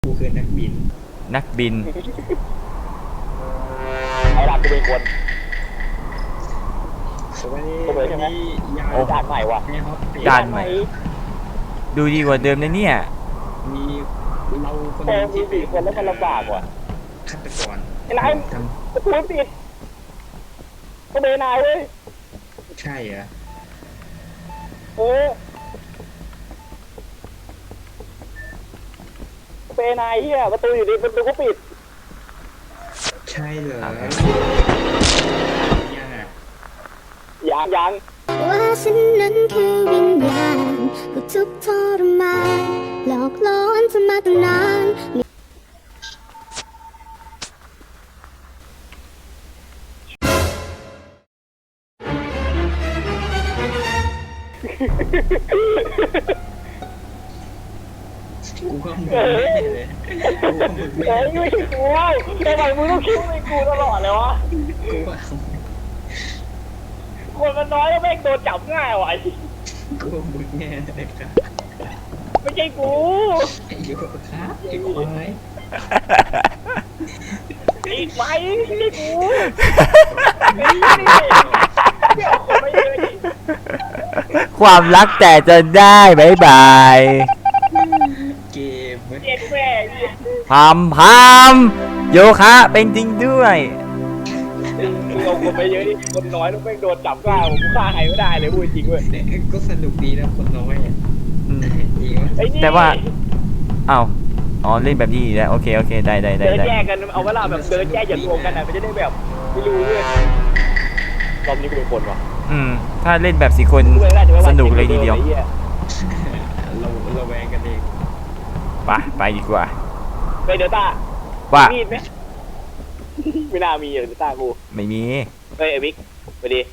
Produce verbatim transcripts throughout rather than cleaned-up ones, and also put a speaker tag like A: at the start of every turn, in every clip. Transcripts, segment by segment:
A: กูคือนักบิน
B: นักบิน
C: ไอ้รักกูเป็นคน
A: สวัสดี
C: กูเลยใช่ไหมโอ้ด่านใหม่ว่ะ
B: ด่านใหม่ดูดีกว่าเดิมนะเนี่ย
A: มีเราคน
C: นึงที่สี่คนแล้วมันลำบากว่ะ
A: ฆาตกร
C: ไอ้นายประตูปิดก็เบนายเว้ย
A: ใช่เหรอ
C: เออเบนายเฮียประตูอยู่ดีประตูก็ปิด
A: ใช่เหรอยังอ่ะ
C: ยังยัง
D: ว่าฉันนั้นคือวิญญาณผู้ทุกข์ทรมานหลอกล่อเธอมาตั้งนาน
A: กูก็มึงไม่เลยกูก็มึงไม่เลย
C: ไม่ใช่กูทำไมมึงต้องคิดว่ากูตลอดเลยวะ
A: กูว่า
C: คนมันน้อยแล้วแม่งโดนจับง่ายว่ะ
A: กูมึงแน่เลยครับ
C: ไม่ใช่กู
A: ไอ้ยูครับไอ้ควาย
C: อีกไหมไม่ใช่กูไม่ใช่เดี๋ยวคนไม่เยอะดิ
B: ความรักแต่จะได้บายบาย
A: เกม
C: เจ็ดแม่
B: พามพามโยคะเป็นจริงด้วย
C: เราคนไม่เยอะดิคนน้อยต้องแม่งโดนจับง่ายผมฆ่าใครไม่ได้เลยพูดจริงเว้ย
A: ก็สนุกดีนะคนน้อยอ่ะ
B: แต่ว่าอ้าวอ๋อเล่นแบบนี้แล้วโอเคโอเคได้ได้ได้
C: เดินแยกกันเอาเวลาแบบเดินแยกอย่ารวมกันนะมันจะได้แบบไม่รู้เว้ยรอบนี้กูเป็นคนวะ
B: อืมถ้าเล่นแบบสี่คนสนุกเลยทีเดียว
A: เราเราแวงกันเอง
B: ไปไปดีกว่า
C: ไปเดต้า
B: ว่า
C: มีดไหมไม่น่ามีเดต้ากู
B: ไม่มี
C: เฮ้ยไอ้บิ๊กไปดิ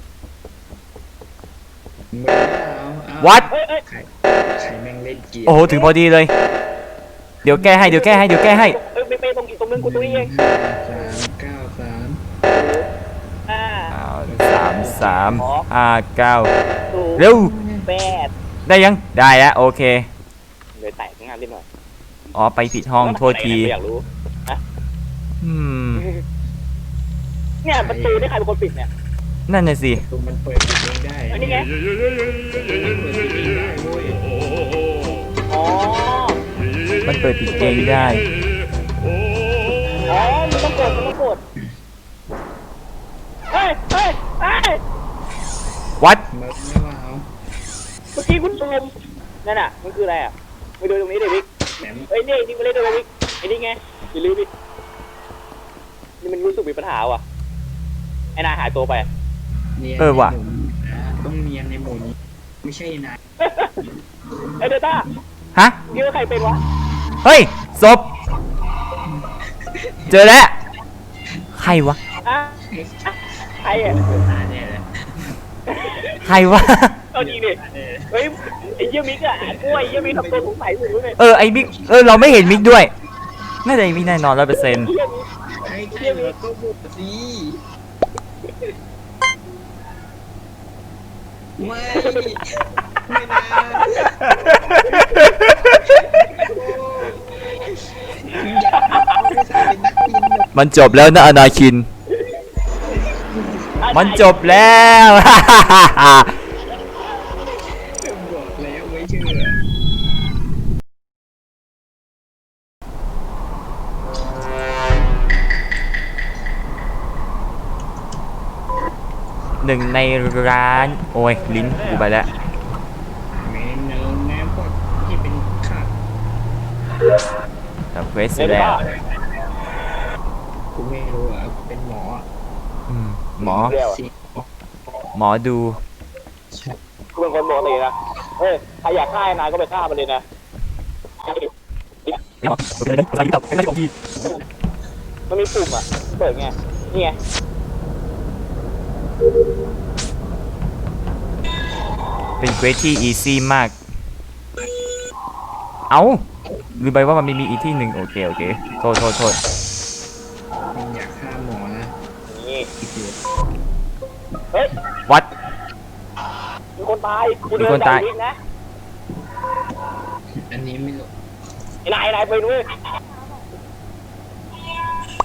B: วัด
A: ใครแม่งเล่นเกม
B: โอ้โหถึงพอดีเลยเดี๋ยวแก้ให้เดี๋ยวแก้ให้เดี๋ยวแก้ให้
C: เออไปไปตรงอีกตรงนึงกูตัวเอง
A: สามเก้าสาม
C: ห้า
B: สามสามห้าเก้าเร็ว
C: แปด
B: ได้ยังได้แล้วโอเค
C: เลยแตกงานนิดหน่อย
B: อ๋อไปผิดห้องโทษที
C: อยากรู้นะ
B: อืม
C: เนี่ยประตูนี่ใครเป็นคนปิดเนี่ย
B: นั่นน่ะสิ
A: มันเปิดเองได้
C: อันนี้ไงอ๋อ
B: มันเปิดปิดเองได้
C: อ๋อมันต้องกดมันต้องกดเฮ้ยเฮ้ยเฮ้ย
B: วัด
A: เ
C: มื่อกี้คุณซูมนั่นน่ะมันคืออะไรอ่ะไปดูตรงนี้ดิบิ๊กเฮ้ยนี่นี่มาเล่นด้วยบิ๊กไอ้นี่ไงอย่าลืมดินี่มันรู้สึกมีปัญหาว่ะไอ้นายหายตัวไป
B: เออว่ะ
A: ต้องเนียนในหมู่นี้ไม่ใช่นาย
C: ไอ้เดต้า
B: ฮะ
C: คิดว่าใครเป็นวะ
B: เฮ้ยศพเจอแล้วใครวะ
C: ใครอ่ะ
B: ใครวะ
C: เอาจริงดิเฮ้ยไอ้เยี่ยมิกอ่ะกล้วยเยี่ยมิกทำตัวสงสัยอยู่เลย
B: เออไอ้มิกเออเราไม่เห็นมิกด้วยน่าจะมิกแน่นอนร้อยเปอร์เซ็นต์
A: ไอ้เยี่ยมิกก็บุกสิไม่ไม่นะ
B: มันจบแล้วนะอนาคินมันจบแล้ว
A: บอกแล้วไม่เชื่อ
B: หนึ่งในร้านโอ้ยลิ้นกูไปแล้ว
A: เมนูแม่พวกที่เป็นข้า
B: ทำเควสเสร็จแล้ว
A: กูไม่รู้อ่ะเป็นหมอ
B: หมอหมอดู
C: กูเป็นคนปกตินะเฮ้ยใครอยากฆ่านายก็ไปฆ่ามันเลยนะมันมีปุ่มอ่ะเปิดไงนี่ไง
B: เป็นเควสที่อีซี่มากเอ้าลืมไปว่ามันมีอีกที่หนึ่งโอเคโอเคโทษโทษโทษ
A: อยากฆ่าหมอนะ
C: นี่เฮ้ย
B: วัด
C: มีคนตาย
B: มีคนตาย
C: นะ
A: อันนี้ไม่รู้
C: ไอ้นายนายไปด้วย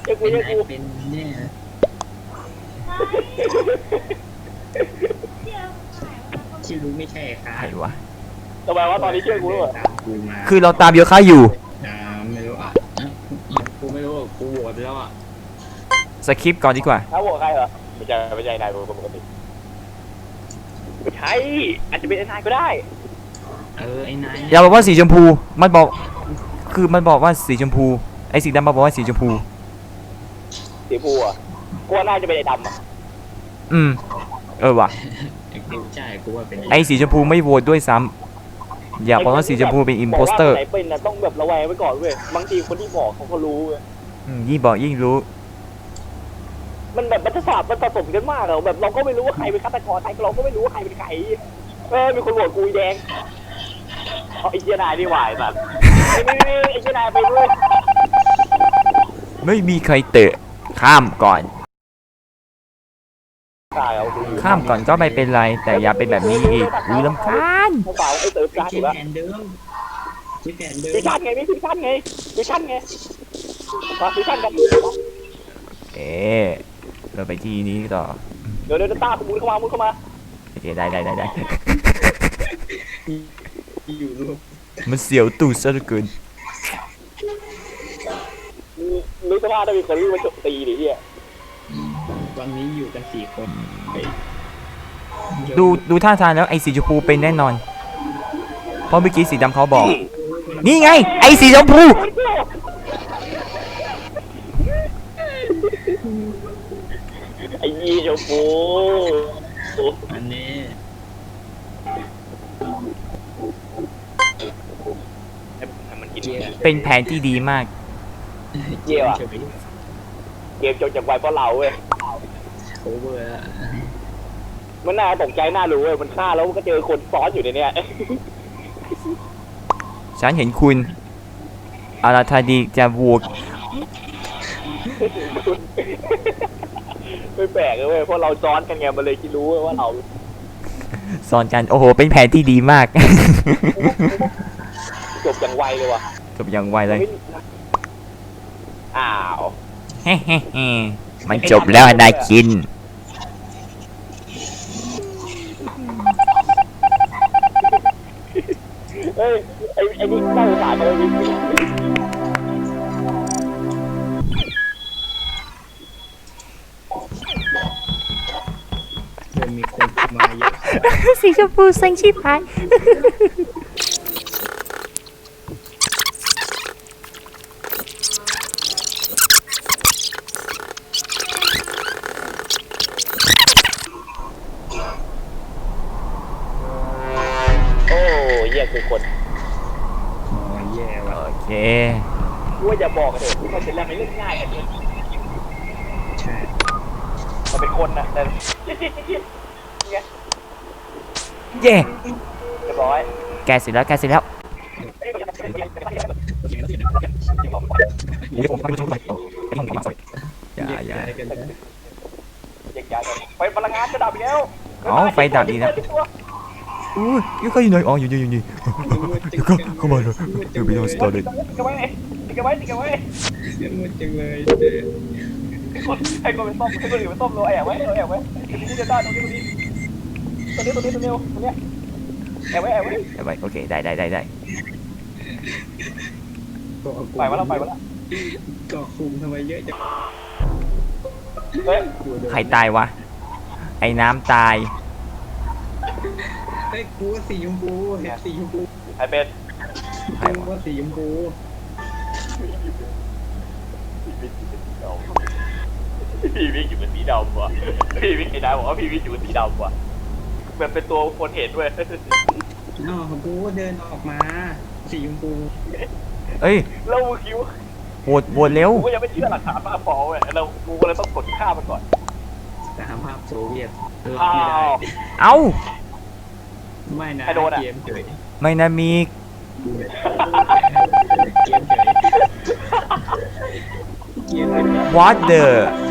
C: ชื่อกู
A: เป็น
C: เชื่อ
A: ไอ
C: กู
A: เป็นเนี่ย ที่รู้ไม่ใช่ค่ะ
B: ใครวะ
C: ทำไมว่าตอนนี้เชื่อกูด้วย
A: ตามกูมา
B: คือเราตามโยคะอยู่
A: อ่าไม่รู้อ่ะกูไม่รู้กูโหวตไปแล้วอ่ะ
B: สคริปต์ก่อนดีกว่า
C: ถ้าโหวตใครเหรอไม่ใช่ไม่ใช่นายปกติไม่ใช่อาจจะเป็นนายก็ได้
A: เออไอ้นาย
B: อย่าบอกว่าสีชมพู มันบอก คือมันบอกว่าสีชมพู ไอ้สีดำมาบอกว่าสีชมพู
C: สีฟูอ่ะกูว่าน่าจะเป็นไอ้ดำอ่ะ
B: อืม เออว่ะ
A: ไอ้กูใช่กูว่าเป็น
B: ไอ้สีชมพูไม่โหวตด้วยซ้ำอย่าบอกว่าสีชมพูเป็นอิมโพสเตอร์
C: ไหนเป็นนะต้องแบบระแวงไว้ก่อนเว้ยบางทีคนที่บอกเขาก็รู้เว้ย
B: ยิ่งบอกยิ่งรู้
C: มันแบบมันจะสาบมันผสมกันมากอะแบบเราก็ไม่รู้ว่าใครเป็นฆาตกรใครเราก็ไม่รู้ว่าใครเป็นใครเออมีคนโหวตกูอีแดงเอาไอ้เจียนายนี่หวายสัตว์ไอ้นี่นี่ไอ้เจียนายไปด้วย
B: ไม่มีใครเตะ ข้ามก่อน
C: ตายเอาดูอยู่
B: ข้ามก่อนก็ไม่เป็นไร แต่อย่าเป็นแบบนี้อีกอุ้ยลำคาญ
C: เขาเปล่าไอ้เติร์ฟ
A: ไอ้
C: การ์ด
A: เจ
C: อยู่แล้ว
A: แผนเดิมเจแผนเดิม
C: ฟิวชั่นไงพี่ฟิวชั่นไงฟิวชั่นไงมาฟิวชั่นกัน
B: เอ๊ะเราไปที่นี้ต่อ
C: เดี๋ยวเดี๋ยวตามุนเข้ามามุนเข้ามา
B: โอเคได้ได้ได้ได้
A: อยู่รวม
B: มันเสียวตูดซะเหลือเกิน
C: นึกสภาพถ้ามีคนวิ่งมาโจมตีดิเฮีย
A: วันนี้อยู่กันสี่คนเฮ้ย
B: ดูดูท่าทางแล้วไอ้สีชมพูเป็นแน่นอน เพราะเมื่อกี้สีดำเขาบอก นี่ไง ไอ้สีชมพู
C: ไอ้ยีโจโฟ
A: อันนี้
C: มันกิน
A: เกียร์
B: เป็นแผนที่ดีมาก
C: เกียร์อะเกมจบจากไวเพราะเราเว้ย
A: โอเวอร์แล้ว
C: มันน่าตกใจน่ารู้เว้ยมันฆ่าแล้วก็เจอคนซ้อนอยู่ในเนี้ย
B: ฉันเห็นคุณอาราธาดีจะบวก
C: ไม่แปลกเลยเว้ยเพราะเราซ้อนกันไงมันเลยคิดรู้เว้ยว่าเรา
B: สอนกัน โอ้โห เป็นแผนที่ดีมาก
C: จบอย่างไวเลยว่ะ
B: จบอย่างไวเลย
C: อ้าว
B: เฮ้เฮ้เฮ้มันจบแล้วนายกิน
C: เฮ้ยไอ้ไอ้นี่น่าสงสารเลยนี่
A: เริ่มมีคนมาเยอะ
B: สีชมพูเซ็งชิบหาย
C: โอ้เหี้ยคือคน
A: อ๋อแย่ว่ะ
B: โอเค
C: กูว่าอย่าบอกกันเถอะที่มันเป็นแรงในเรื่องง่ายกันเนี่ย
A: ใช่
C: มันเป็นคนนะแต่เจี๊ยบเจี๊ยบเจี๊ยบไง
B: เย่
C: เรียบร้อย
B: แกเสร็จแล้ว แกเสร็จแล้วอย่าอย่า
A: แย่กันนะ
C: แยกย้ายกันไฟพลังงานจะดับอีกแล้ว
B: อ๋อไฟดับอีกแล้ว อู้ยเขาอยู่ไหนอ๋ออยู่นี่อยู่นี่เดี๋ยวก็เข้ามาเลยเดี๋ยวไปโดนสตอรี่
C: ติดกันไว้ติดกันไว้ติดกันไว้
A: เยอะมากจังเลย
C: ให้คนให้คนเป็นส้มให้คนอื่นเป็นส้มเราแอบไว้เราแอบไว้ตรงนี้จะได้ตรงนี้ตรงนี้ตรงนี้ตรงนี้ตรงนี้ตรงนี้แอบไว้แอบไว้
B: เอาไปโอเคได้ได้ได้ได้
C: ไปมาแล้วไปมาแล้ว
A: เกาะคุมทำไมเยอะจัง
C: เฮ้ย
B: ใครตายวะ ไอ้น้ำตาย
A: เฮ้ยกูว่าสีชมพูเห็นสีชมพู
C: ใครเป็น
B: ใคร
A: กู
B: วะ
A: ว่าสีชมพู
C: พี่วิกอยู่เป็นสีดำว่ะพี่วิกไอ้นายบอกว่าพี่วิกอยู่เป็นสีดำว่ะแบบเป็นตัวคนเห็นด้วย
A: อ๋อกูเดินออกมาสีชมพู
B: เอ้ย
C: แล้วมึงคิดว
B: โหวตโหวตเร็ว
C: กูก็ยังไม่เชื่อหลักฐานมากพอเว้ยเรากูก็เลยต้องกดฆ่ามันก่อน
A: สหภาพโซเวียตรับ
C: อ้า
A: ไม่ได้
C: ว
B: เอ้า
A: ไม่นะ
C: ใครโดนอะ
A: เกมเฉย
B: ไม่นะมี
A: เกมเฉยเกมเฉย
B: what the